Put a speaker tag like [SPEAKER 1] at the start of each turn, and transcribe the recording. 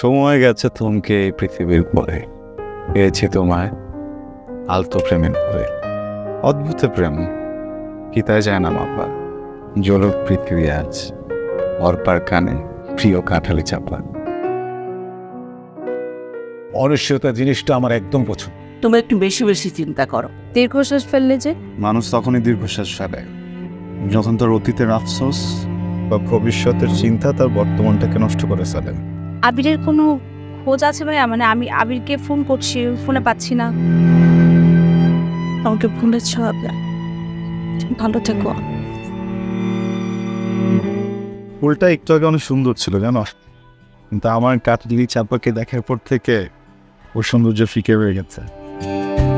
[SPEAKER 1] সময় গেছে থমকে এই পৃথিবীর পরে, পেয়েছি তোমায় আলতো প্রেমের পরে। অদ্ভুত প্রেম কি তাই যায় না মাপা, জলক পৃথিবী আজ অর্পার কানে প্রিয় কাঁঠালি চাপা।
[SPEAKER 2] অনিশ্চয়তা জিনিসটা আমার একদম পছন্দ।
[SPEAKER 3] তুমি একটু বেশি বেশি চিন্তা করো।
[SPEAKER 4] দীর্ঘশ্বাস ফেললে যে
[SPEAKER 1] মানুষ তখনই দীর্ঘশ্বাস ফেলে যখন তার অতীতের আফসোস বা ভবিষ্যতের চিন্তা তার বর্তমানটাকে নষ্ট করে ফেলে।
[SPEAKER 4] আবিরের কোনো খোঁজ আছে ভাইয়া? মানে আমি আবিরকে ফোন করছি, ফোনে পাচ্ছি না। আমাকে ভুলেছ আপনার, ভালো থেকো।
[SPEAKER 1] ফুলটা একটু আগে অনেক সুন্দর ছিল জানো, কিন্তু আমার কাঠলি চাপাকে দেখার পর থেকে ওর সৌন্দর্য ফিকে হয়ে গেছে।